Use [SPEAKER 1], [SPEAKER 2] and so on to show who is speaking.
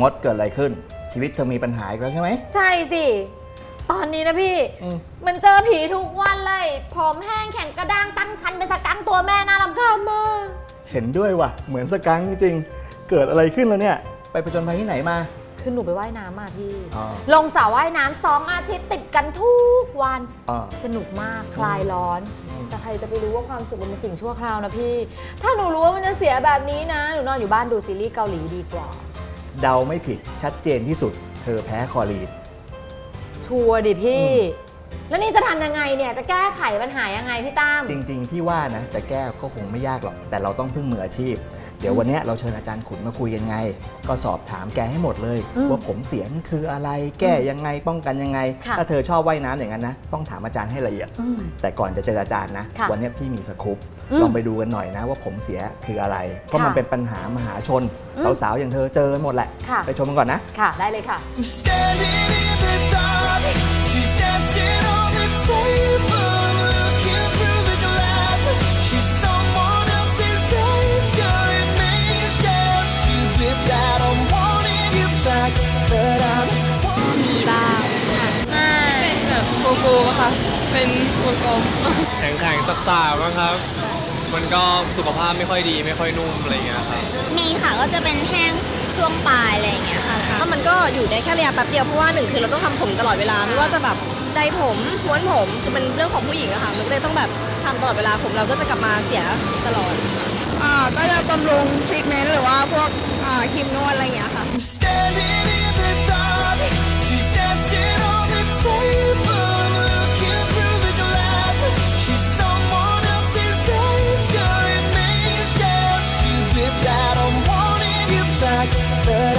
[SPEAKER 1] มดเกิดอะไรขึ้นชีวิตเธอมีปัญหาอีกแล้วใช่ไหม
[SPEAKER 2] ใช่สิตอนนี้นะพี่มันเจอผีทุกวันเลยผมแห้งแข็งกระด้างตั้งชั้นเป็นสกังตัวแม่น่ารำคาญมาก
[SPEAKER 1] เห็นด้วยว่ะเหมือนสกังจริงเกิดอะไรขึ้นแล้วเนี่ยไปผจญภัยที่ไหนมา
[SPEAKER 2] คือหนูไปว่ายน้ำมาพี่ลงสระว่ายน้ำ2 อาทิตย์ติดกันทุกวันสนุกมากคลายร้อนแต่ใครจะไปรู้ว่าความสุขมันเป็นสิ่งชั่วคราวนะพี่ถ้าหนูรู้ว่ามันจะเสียแบบนี้นะหนูนอนอยู่บ้านดูซีรีส์เกาหลีดีกว่า
[SPEAKER 1] เดาไม่ผิดชัดเจนที่สุดเธอแพ้คอรีน
[SPEAKER 2] ชัวร์ดิพี่แล้วนี่จะทำยังไงเนี่ยจะแก้ไขปัญหายังไงพี่ตั้ม
[SPEAKER 1] จริงๆพี่ว่านะจะแก้ก็คงไม่ยากหรอกแต่เราต้องพึ่งมืออาชีพเดี๋ยววันนี้เราเชิญอาจารย์ขุนมาคุยกันไงก็สอบถามแกให้หมดเลยว่าผมเสียคืออะไรแก้ยังไงป้องกันยังไงถ้าเธอชอบว่ายน้ำอย่างนั้นนะต้องถามอาจารย์ให้ละเอียดแต่ก่อนจะเจออาจารย์นะวันนี้พี่มีสกู๊ปลองไปดูกันหน่อยนะว่าผมเสียคืออะไรเพราะมันเป็นปัญหามหาชนสาวๆอย่างเธอเจอหมดแหละไปชมกันก่อนนะ
[SPEAKER 2] ค่ะได้เลยค่ะ
[SPEAKER 3] มีบ้างค่ะเป็นแบบฟูๆค่ะเป็นวงกลม
[SPEAKER 4] แข็งๆซ่าๆบ้างครับมันก็สุขภาพไม่ค่อยดีไม่ค่อยนุ่มอะไรเงี้ยครับ
[SPEAKER 3] มีค่ะก็จะเป็นแห้งช่วงปลายอะไรอย่างเงี้ยค่ะ
[SPEAKER 5] ถ้ามันก็อยู่ได้แค่ระยะแป๊บเดียวเพราะว่า1คือเราต้องทำผมตลอดเวลาไม่ว่าจะแบบไดผมม้วนผมคือเป็นเรื่องของผู้หญิงอะค่ะมันก็เลยต้องแบบทำตลอดเวลาผมเราก็จะกลับมาเสียตลอดก็จะบำรุงทรีทเมนต์หรือว่าพวกครีมนวดอะไรอย่างเงี้ยค่ะ
[SPEAKER 6] But